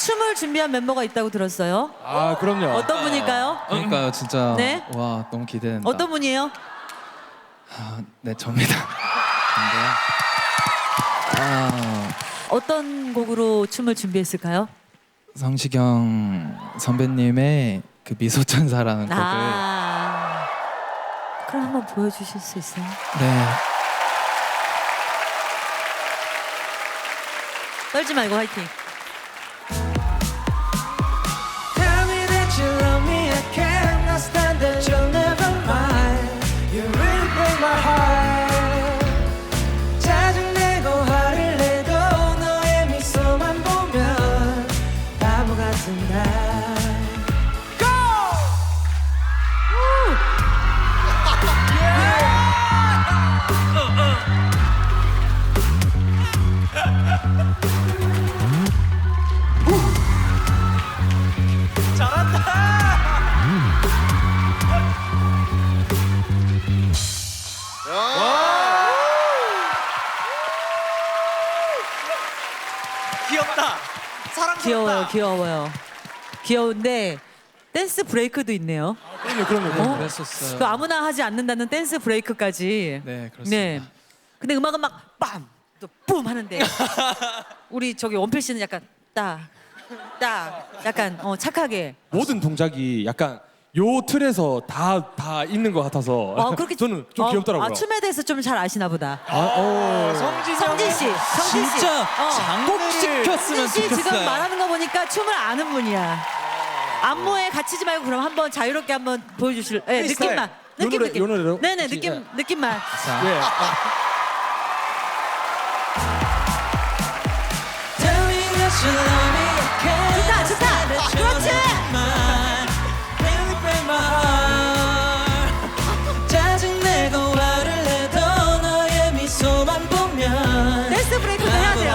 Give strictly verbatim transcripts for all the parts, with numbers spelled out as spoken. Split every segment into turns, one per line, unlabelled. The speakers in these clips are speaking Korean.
춤을 준비한 멤버가 있다고 들었어요.
아 그럼요.
어떤 분일까요?
그러니까요, 진짜.
네?
와, 너무 기대된다.
어떤 분이에요?
아, 네, 접니다. 근데요. 아,
어떤 곡으로 춤을 준비했을까요?
성시경 선배님의 그 미소천사라는 곡을.
아, 그럼 한번 보여주실 수 있어요?
네.
떨지 말고 화이팅.
Tell me that you love me, I cannot stand it. You'll never mind. You really break my heart. 짜증내고 화를 내도 너의 미소만 보면 바보 같은 날. Go!
귀엽다. 사랑스럽다.
귀여워요, 귀여워요. 귀여운데 댄스 브레이크도 있네요.
그럼요, 그럼요.
어?
그럼요.
그랬었어요.
그 아무나 하지 않는다는 댄스 브레이크까지.
네, 그렇습니다.
네. 근데 음악은 막 빰! 또 뿜! 하는데 우리 저기 원필 씨는 약간 딱, 딱 약간 어, 착하게.
모든 동작이 약간 요 틀에서 다 다 있는 것 같아서
어, 그렇게
저는 좀
어,
귀엽더라고요.
아, 춤에 대해서 좀 잘 아시나 보다.
아, 어.
성진 씨, 성진 씨.
진짜
어.
장곡시켰으면
성진 씨 지금
좋겠어요.
말하는 거 보니까 춤을 아는 분이야. 안무에 갇히지 말고 그럼 한번 자유롭게 한번 보여주실. 네,
프리스타일.
느낌만.
요
느낌
노래,
느낌.
요 노래로?
네네
혹시,
느낌
예.
느낌만.
자,
예. 아,
Tell me that you love me, I cannot
좋다 좋다.
stand it. You'll
그렇지.
never mind. Really break my heart. 짜증내고 화를 내도 너의 미소만 보면
댄스 브레이크도 해야 돼요.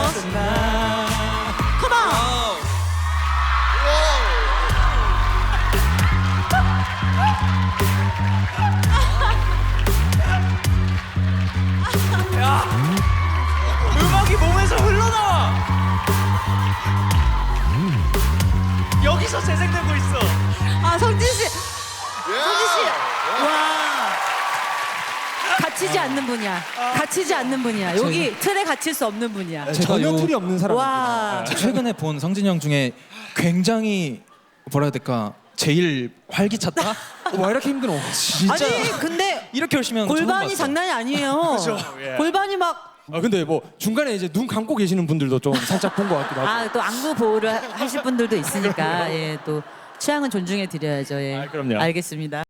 컴온.
음악이 몸에서 흘러나와. 여기서 재생되고 있어.
아 성진 씨. 성진 씨. 와. 갇히지 않는 분이야. 갇히지 않는 분이야. 여기 틀에 갇힐 수 없는 분이야.
제가
전혀
요-
틀이 없는 사람.
와.
최근에 본 성진이 형 중에 굉장히 뭐라 해야 될까? 제일 활기찼다?
와 이렇게 힘들어.
진짜
아니 근데
이렇게 열심히 하는 거 처음
골반이
봤어.
장난이 아니에요. 골반이 막
아 근데 뭐 중간에 이제 눈 감고 계시는 분들도 좀 살짝 본 것 같기도 하고.
아 또 안구 보호를 하실 분들도 있으니까 예 또 취향은 존중해 드려야죠. 예.
아, 그럼요.
알겠습니다.